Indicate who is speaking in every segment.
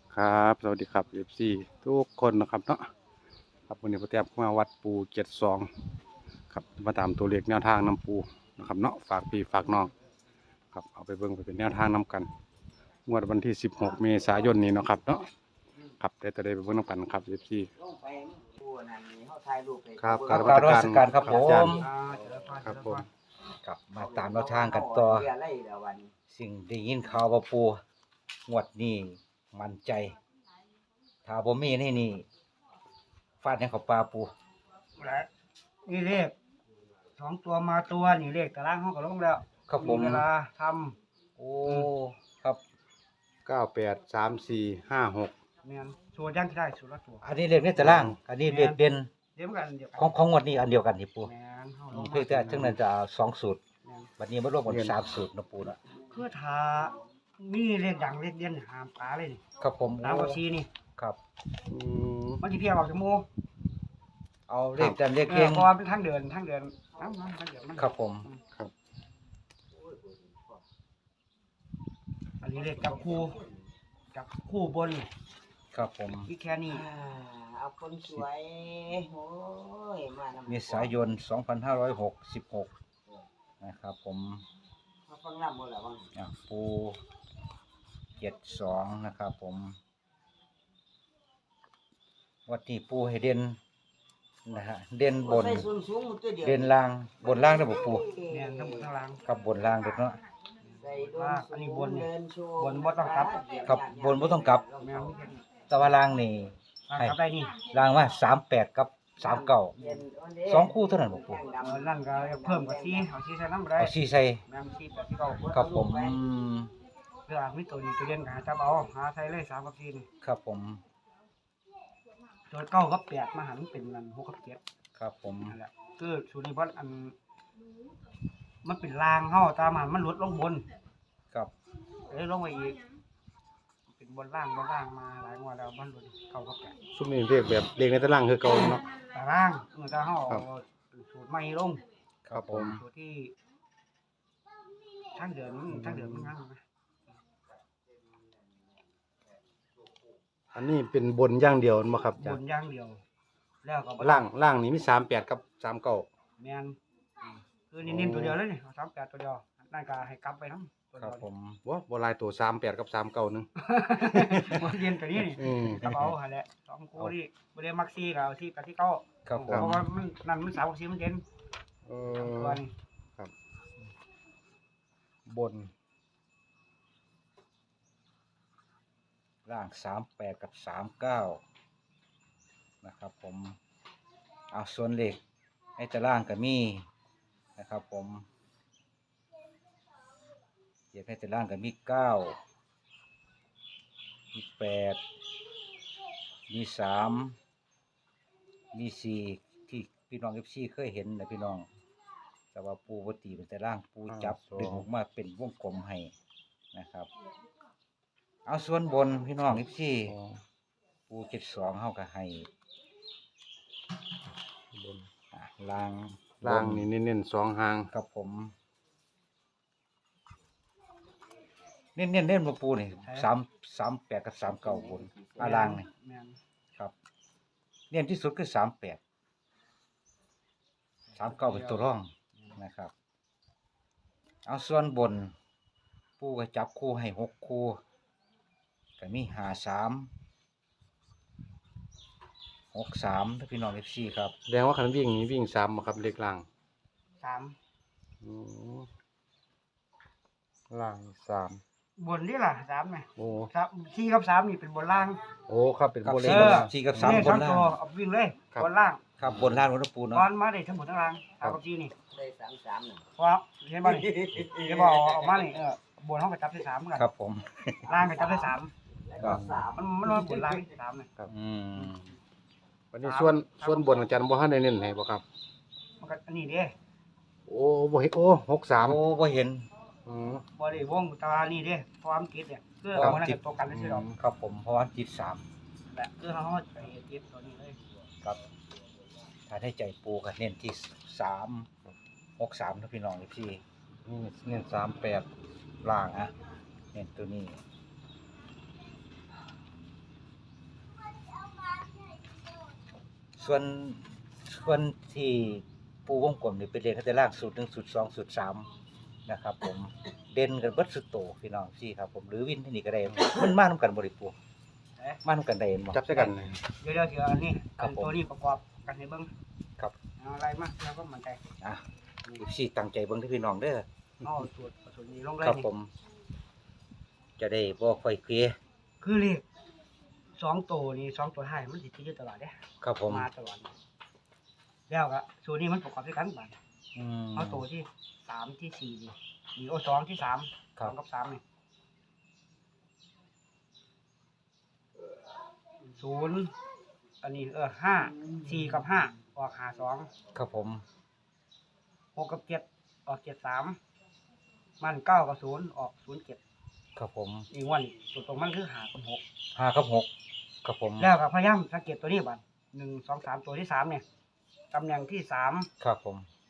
Speaker 1: ครับสวัสดีครับFCทุกคนนะครับเนาะครับวันนี้พระเตียบมาวัดปู72ครับมาตามตัวเลขแนวทางน้ำปูนะครับเนาะฝากพี่ฝากน้องครับเอาไปเบิ่งไปเป็นแนวทางน้กันงวดวันที่16เมษายนนี้เนาะครับเนาะครับได้แต่ได้ไปเบิ่งน้ำกันครับ FC ครับ
Speaker 2: กราบนมัสการครับผ
Speaker 1: อาจาร
Speaker 2: ม
Speaker 1: ย์ครับผม
Speaker 2: กลับมาตามแนวทางกันต่อสิ่งได้ยินข่าวว่าปูงวดนี้มั่นใจ ถ้าบ่มีนี่ฟาดให้เขาปลาปู
Speaker 3: และนี่เลข2 ตัวมาตัวนี่เลขตารางห้องก็ลงแล้ว
Speaker 2: ครับผม
Speaker 3: เวลาท
Speaker 2: โอ้ครับ
Speaker 1: 983456
Speaker 3: ำแม่นชัวร์ย่างที่ได้สุดละตัว
Speaker 2: อันนี้เลขในตาราง อันนี้เลขเด่น
Speaker 3: เดี๋ยวมันกันเดียวกัน
Speaker 2: ของงวดนี้อันเดียวกันนี่ปู
Speaker 3: แม่นเฮาลง
Speaker 2: เพื่อแต่ทั้งนั้นจะเอา2สูตร
Speaker 3: แม่น
Speaker 2: บัดนี้มารวมกัน3สูตรนะปูนะ
Speaker 3: คือถ้ามีเลขดังเลขเด่นห้ามปลาเลยนี่
Speaker 2: ครับผม
Speaker 3: ตามกับซีนี่
Speaker 2: ครับ
Speaker 1: อืม
Speaker 3: มันสิเพียงออกจากหมู่
Speaker 2: เอาเลขแต่เลข
Speaker 3: เอ
Speaker 2: เก่
Speaker 3: อง เพราะว่าเป็นทางเดินน้ำทางเดินมัน
Speaker 2: ครับผม
Speaker 3: อันนี้เลขจับคู่บน
Speaker 2: ครับผม
Speaker 3: อีกแค่นี้
Speaker 4: เอาคนสวยโอ้ยมานำ
Speaker 2: เมษายน 2566 นะครับผม
Speaker 4: มาฟังลำหมดแล้วบ้าง
Speaker 2: ปู72นะครับผมวัดที่ปูให้เด่นนะฮะเด่นบน
Speaker 4: ใส่ส้นสูงหมดตัวเดียว
Speaker 2: เด่นล่างบนล่างได้บ่ปู
Speaker 3: แม่นทั้งหมดทั้งล่าง
Speaker 2: กับบนล่างเด็ดเนาะ
Speaker 4: ใส่โดน
Speaker 3: อันนี้บน
Speaker 4: เดินโชว์
Speaker 3: บนบ่ต้องกลับ
Speaker 2: ครับบนบ่ต้องกลับ
Speaker 3: แม่นมีแค่นี้
Speaker 2: แต่ว่าล่างนี่
Speaker 3: ล่างกลับได้นี่
Speaker 2: ล่างว่า38กับ39
Speaker 4: เด่นนเด้
Speaker 2: สองคู่เท่านั้นบ่ปู
Speaker 3: นั่นก็เพิ่มกับซีเอาซีใส่น้ำบ่ได้
Speaker 2: เอา4ใส่
Speaker 3: แม่นซีแบบที่เก่า
Speaker 2: ครับผม
Speaker 3: เพื่อมีตัวนี้ตัวเด่นก็หาจับเอาหาใส่เลย3กับ4นี่
Speaker 2: ครับผม
Speaker 3: ตัว9กับ8มาหันเป็นนั่น6กับ7
Speaker 2: ครับผม
Speaker 3: นั่นแหละคือสูตรนี้เพราะอันมันเป็นรางเฮาตามหันมันหลุดลงบน
Speaker 2: ครับ
Speaker 3: เลยลงไปอีกเป็นบนล่างมาหลายงวดแล้วมันหลุด9กับ8
Speaker 1: ซุมนี้เรียกแบบเลขในตารางคือเก่าเนาะ
Speaker 3: ตารางเมื่อตาเฮา
Speaker 1: ครับ
Speaker 3: เอาสูตรใหม่ลง
Speaker 2: ครับผม
Speaker 3: สูตรที่ทางเดินมันงั้นนะ
Speaker 1: อันนี้เป็นบนอย่างเดียวบ่ครับอา
Speaker 3: บ
Speaker 1: จาร
Speaker 3: น
Speaker 1: ย์
Speaker 3: อย่างเดียว แล้วก็บ่
Speaker 1: ล่างนี่มี38กับ39
Speaker 3: แม่นคือนี่ตัวเดียวเลยนี่เอา38ตัวเดียวนั่นก็ให้กลับไปนำตัว
Speaker 2: ค
Speaker 3: เดี
Speaker 2: รั
Speaker 3: ย
Speaker 2: บ
Speaker 3: ว
Speaker 2: ผม
Speaker 1: บ่หลายตัว38กับ39นึง
Speaker 3: บ่เย็นตัวนี้นี่
Speaker 1: อืม
Speaker 3: กระเป๋าหั่นแหละ2คู่นี่บ่ได้มักซี่ก็เอาซี่กับที่เก่า
Speaker 2: ครับผ
Speaker 3: เพ
Speaker 2: ม
Speaker 3: ราะว่ามันนั่นมัน3กับ4มันเด่น
Speaker 1: เอ
Speaker 3: ตัว
Speaker 1: อ
Speaker 3: นี้
Speaker 2: บนล่าง38กับ39นะครับผมเอาส่วนเลขในตารางก็มีนะครับผมเลขในตารางก็มี9มี8มี3มี4ที่พี่น้อง FC เคยเห็นนะพี่น้องแต่ว่าปูบ่ตีเป็นตารางปูจับดึงออกมาเป็นวงกลมให้นะครับเอาส่วนบนพี่น้อง FC ปู72เฮาก็ให้
Speaker 1: บน
Speaker 2: ล่าง
Speaker 1: ล่างนี่เน้นๆ2หาง
Speaker 2: กับผมเน้นบ่ปูนี่338กับ39บนล่างนี่
Speaker 3: แม่น
Speaker 2: ครับเน้นที่สุดคือ38 39เป็นตัวร่องนะครับเอาส่วนบนปูก็จับคู่ให้6คู่ก็มี53 63ถ้าพี่น้อง FC ครับ
Speaker 1: แสดงว่าคันวิ่งนี่วิ่ง3บ่ครับเลขล่าง
Speaker 3: 3
Speaker 1: อืมล่าง3
Speaker 3: บนนี่ล่ะ3นี่
Speaker 1: โอ้
Speaker 3: 4กับ3นี่เป็นบนล่าง
Speaker 1: โอ้ครับเป็น
Speaker 2: ครับ
Speaker 1: โบเล
Speaker 2: เอ
Speaker 1: ข
Speaker 2: อ 4กับ3
Speaker 3: นี่
Speaker 2: บ
Speaker 3: ทั้
Speaker 2: น
Speaker 3: ง
Speaker 2: ล่า
Speaker 3: ตัว
Speaker 2: ง
Speaker 3: เอาวิ่งเลย
Speaker 1: ครับ
Speaker 3: บนล่าง
Speaker 2: ครับบนล่างของปูเนาะ
Speaker 3: ตอนมาได้ทั้งหมดทั้งล่าง3กับ4นี่
Speaker 4: ได้33น่ะ
Speaker 3: เพราะเห็นบ่นี่เห็นบ่เอามานี่บนเฮาก็จับได้3เหมือนกัน
Speaker 2: ครับผม
Speaker 3: ล่างก็จับได้3
Speaker 4: แล้วก็สาม
Speaker 3: มันบนล่าง3นี่
Speaker 2: อืม
Speaker 1: วันนี้ส่วนบนอาจารย์บ่ทันได้เน้นให้บ่ครับ
Speaker 3: มันก็อันนี้เด้
Speaker 1: โอ้บ่เห็นโอ้
Speaker 2: โอ้
Speaker 1: 63
Speaker 2: บ่เห็น
Speaker 1: อืม
Speaker 3: บ่ได้วงตานี่เด้ความคิดเนี่ยคือเอามันกับตัวกันซื่อๆดอก
Speaker 2: ครับผมเพราะว่าจิต3
Speaker 3: แหละคือเฮาไปเก็บตัวนี้เลย
Speaker 2: ครับถ้าได้ใจปูก็เน้นที่363นะพี่น้องพี่
Speaker 1: นี่เน้น38
Speaker 2: ล่างเน้นตัวนี้ส่วนที่ปูวงกลมนี่เป็นเลขข้างล่างสูตร1สูตร2สูตร3นะครับผมเด่นกันเบิดสุดโตพี่น้องซี่ครับผมหรือวินที่นี่ก็ได้มันมานํกันบ่ได้ปูมานํกันได้บ่
Speaker 1: จับใส่กันเลย
Speaker 3: เดี๋ยวเดี๋ยวอันนี้
Speaker 2: ครับ
Speaker 3: อัน
Speaker 2: ผม
Speaker 3: ตัวนี้ประกอบกันให้เบิ่ง
Speaker 2: ครับ
Speaker 3: เอาอะไรมาแล้วก็มันใจ
Speaker 2: อ่ะซี่ตั้งใจเบิ่งที่พี่น้องเด้อ
Speaker 3: เอาสูตรนี้ลงเลย
Speaker 2: ครับ
Speaker 3: นี่
Speaker 2: ผม จะได้บ่ค่อยเคลียร์
Speaker 3: คือเลข2ตัวนี่2ตัวท้ายมันสิติดอยู่ตลอดเด้
Speaker 2: ครับผม
Speaker 3: มาตลอดแล้วก็สูตรนี้มันประกอบด้วยกันบัด
Speaker 2: อืม
Speaker 3: เอาตัวที่3ที่4นี่นี่โอ้2ที่3
Speaker 2: ครับ
Speaker 3: 2กับ3นี่0อันนี้5 4กับ5ออก52
Speaker 2: ครับผม
Speaker 3: 6กับ7ออก73มัน9กับ0ออก07
Speaker 2: ครับผม
Speaker 3: อีกวันตัวตรงมันคือ5กับ6
Speaker 2: 5กับ6ครับผม
Speaker 3: แล้วก็พยายามสังเกตตัวนี้บัด1 2 3ตัวที่3เนี่ยตำแหน่งที่3
Speaker 2: ครับผม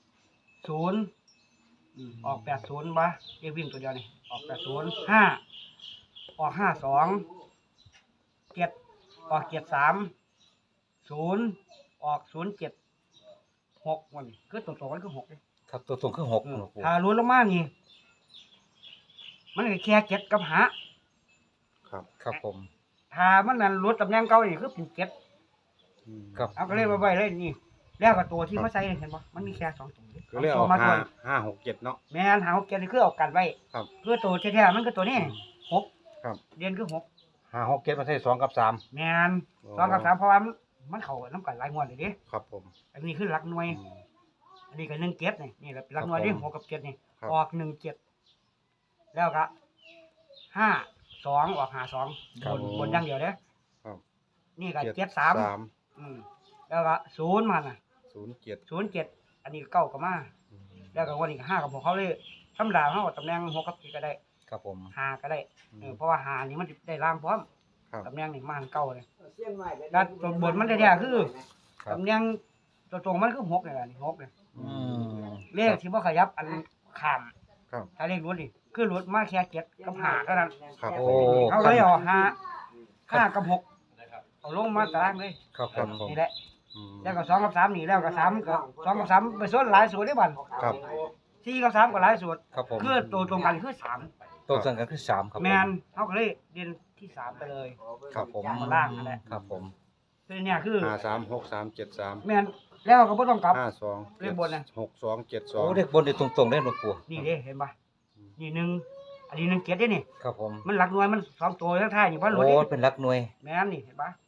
Speaker 3: 0ออก80บ่เรียกวิ่งตัวเดียวนี่ออก80 5ออก52 7ออก73 0ออก07 6วันนี้คือตรงๆมันคือ6เด้
Speaker 2: ครับตัวตรงคือ6ครับผม
Speaker 3: ถ้าลุ้นลงมานี่มันก็แค่7กับ5
Speaker 1: ครับ
Speaker 2: ครับผม
Speaker 3: ถ้ามันนั่นลุ้นตำแหน่งเก่านี่คือเป็น7
Speaker 2: ครับ
Speaker 3: เอาก็เลยมาไว้เลยนี่แล้วก็ตัวที่มาใส่เห็นบ่มันมีแค่2ตัว
Speaker 1: ก็เรียกเอา
Speaker 3: มา
Speaker 1: ห้า
Speaker 3: ด้วย
Speaker 1: ห้าหกเจ็ดเนาะ
Speaker 3: แม่นหา6 7นี่คือเอากันไว้
Speaker 1: ครับ
Speaker 3: คือตัวแท้ๆมันคือตัวนี้6
Speaker 1: ครับ
Speaker 3: เรียนคือ6
Speaker 1: ห้าหกเจ็ดมาใส่2กับ3
Speaker 3: แม่น2กับ3เพราะว่ามันเข้าน้ำกันหลายงวดเลยดิ
Speaker 1: ครับผม
Speaker 3: อันนี้คือหลักหน่วย
Speaker 1: อืม
Speaker 3: อันนี้ก็1 7นี่แหละเป็นหลักหน่วยดิ
Speaker 2: ครับผม
Speaker 3: 6กับ7นี่
Speaker 1: ครับ
Speaker 3: ออก1 7แล้วก็5 2ออก5 2
Speaker 2: ครับ
Speaker 3: บนอย่างเดียวเด้
Speaker 1: ครับ
Speaker 3: นี่ก็
Speaker 1: เจ็ด
Speaker 3: 7 3แล้วก็0มันน่ะ
Speaker 1: 07
Speaker 3: 0 7อันนี้ก็9ก็มาแล้วก็วันนี้ก็5กับ6เขาเลยธรรมดาเฮาตำแหน่ง6กับ7ก็ได้
Speaker 2: ครับผม
Speaker 3: 5ก็ได้เพราะว่า5นี่มันได้ล่างพร้อม
Speaker 1: ครับ
Speaker 3: ตำแหน่งนี่มาเก่าเลย
Speaker 4: เสียงหน่อย
Speaker 3: แล้วตัวบนมันแท้ๆคือ
Speaker 2: ครับ
Speaker 3: ตำแหน่งตัวตรงมันคือ6นี่แหละนี่6นี่
Speaker 2: อืม
Speaker 3: เลขที่บ่ขยับอันข้าม
Speaker 1: ครับ
Speaker 3: ถ้าเลขรถนี่คือรถมาแค่7กับ5เท่านั้น
Speaker 1: ครับ
Speaker 2: โอ้
Speaker 3: เอาเลยเอา5กับ6เอาลงมาตารางเลย
Speaker 2: ครับผม
Speaker 3: นี่แหละ
Speaker 1: อืม
Speaker 3: แล้วก็2กับ3นี่แล้วก็3กับ2กับ3ไปส่วนหลายสูตรได้บัด
Speaker 1: ครับ
Speaker 3: 4กับ3ก็หลายสูตร
Speaker 2: ครับผม
Speaker 3: คือตัวตรงกันคือ3
Speaker 2: ตัวสั่งกันคือ3ครับผม
Speaker 3: แมนเฮาก็เลยเด่นที่3ไปเลย
Speaker 1: ครับผม
Speaker 3: มาล่างนั่นแหละ
Speaker 2: ครับผม
Speaker 3: คือเนี่ยคือ
Speaker 1: 536373
Speaker 3: แมนแล้วก็บ่ต้องกลับ
Speaker 1: 52
Speaker 3: เลขบนน่ะ
Speaker 1: 62
Speaker 2: โอ้
Speaker 1: 72
Speaker 2: เด็กบนนี่ตรงๆได้หลวงปู่
Speaker 3: นี่เด้เห็นป่ะนี่หนึ่งอันนี้1 7เด้นี่
Speaker 2: ครับผม
Speaker 3: มันหลักหน่วยมัน2ตัวทั้งท้ายนี่พันรถ
Speaker 2: โอ้
Speaker 3: นี่
Speaker 2: เป็นหลักหน่วย
Speaker 3: แม่นนี่เห็นป่ะ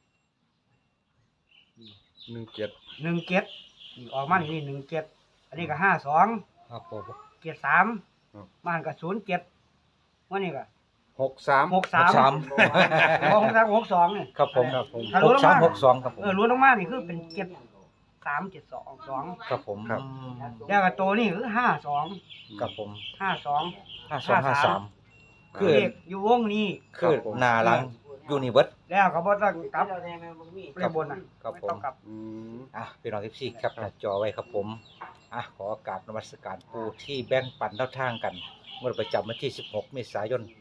Speaker 1: 17
Speaker 3: 1 7นี่ออกมานี่1 7อันนี้ก็52
Speaker 2: ครับผม
Speaker 3: 73มันก็07วันนี้ก็
Speaker 1: 63
Speaker 3: 63 63 62นี่
Speaker 2: ครับผม
Speaker 1: ครับผม
Speaker 3: ถ้ารู้แล้วมา
Speaker 2: 6362ครับผม
Speaker 3: รวมลงมานี่คือเป็น73 72 2
Speaker 2: ครับผม
Speaker 1: ครับ
Speaker 3: แล้วก็ตัวนี้คือ52
Speaker 2: ครับผม
Speaker 3: 52
Speaker 2: 5253คือ
Speaker 3: เลขอยู่วงนี้
Speaker 2: คือหน้าหลังยูนิเวิร์ส
Speaker 3: แล้วก็บ่ต้องกลับ
Speaker 4: เราแดงมันมี
Speaker 3: เลขบนน่ะ
Speaker 2: ครับ
Speaker 3: ไม่
Speaker 2: ผม
Speaker 3: ต้องกลับ
Speaker 1: อืม
Speaker 2: อ่ะพี่น้องที่แคปหน้าจอไว้ครับผมอ่ะขอกราบนมัสการปูที่แบ่งปันแนวทางกันเมื่อประจำวันที่ 16 เมษายน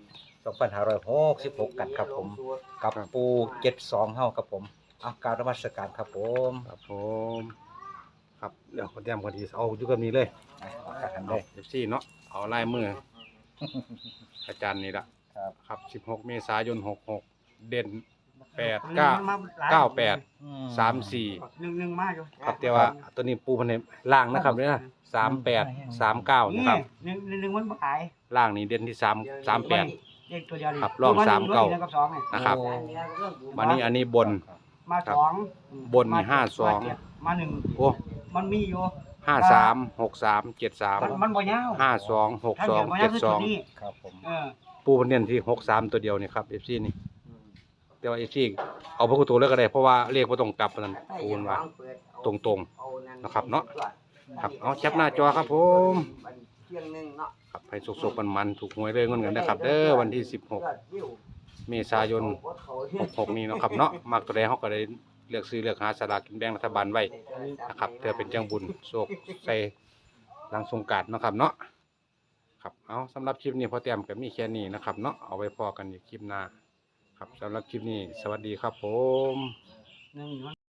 Speaker 2: 2566 กันครับผม กับปู72เฮาครับผมอ่ะกราบนมัสการครับผม
Speaker 1: ครับผม ครับเดี๋ยวคนเตรียมคนที่เอาอยู่กับนี้เลย
Speaker 2: อ่ะขอกัน
Speaker 1: เอา
Speaker 2: เลย
Speaker 1: FC เนาะเอาลายมือ อาจารย์นี่ละ
Speaker 2: ครับ
Speaker 1: ครับ16 เมษายน 66 เด่น 8
Speaker 3: มาหลาย
Speaker 1: 9 98 34
Speaker 3: 1มาอยู่
Speaker 1: ครับแต่ว่าตัวนี้ปูพันในล่างนะครับเนี่ยนะ38 39นะ
Speaker 3: นี่
Speaker 1: ครับ
Speaker 3: 1มันบ่ขาย
Speaker 1: ล่างนี่เด่นที่3 38
Speaker 3: เลขตัวเดียวนี่
Speaker 1: ครับรอง
Speaker 3: ตัว
Speaker 1: สามเก้า
Speaker 3: ตัวนี้กับ2นี่
Speaker 1: นะครับ
Speaker 2: โอ้
Speaker 1: วันนี้อันนี้บน
Speaker 3: มา
Speaker 1: ครับ
Speaker 3: 2
Speaker 1: บนนี่
Speaker 3: มา
Speaker 1: ห้าสอง
Speaker 3: เจ็ดมา1
Speaker 1: โอ้
Speaker 3: มันมีอยู่
Speaker 1: 53 63
Speaker 3: มันบ่ยาว
Speaker 1: 73
Speaker 3: ถ้าเกิดบ่ยาวคือตัวนี้
Speaker 1: 52
Speaker 2: ครับผม
Speaker 1: ปูพันเน้นที่63ตัวเดียวนี่ครับ FC นี่แต่ว่า FC เอาพวกตัวแล้วก็ได้เพราะว่าเลขบ่ต้องกลับปานนั้นปูนว่า ตรงๆนะครับเนาะ ครับเอาแคปหน้าจอครับผม
Speaker 4: เที่ยงนึงเนาะ
Speaker 1: ครับให้สุกๆมันๆถูกหวยเลยเงินกันนะครับเด้อวันที่16 เมษายน 66 นี้เนาะครับเนาะมักตัวใดเฮาก็ได้เลือกซื้อเลือกหาสลากกินแบ่งรัฐบาลไว้นะครับเพื่อเป็นจังบุญโชคใส่หลังสงกรานต์เนาะครับเนาะครับเอาสำหรับคลิปนี้พอแต้มก็มีแค่นี้นะครับเนาะเอาไว้พอกันอีกคลิปหน้าครับสำหรับคลิปนี้สวัสดีครับผม
Speaker 3: 1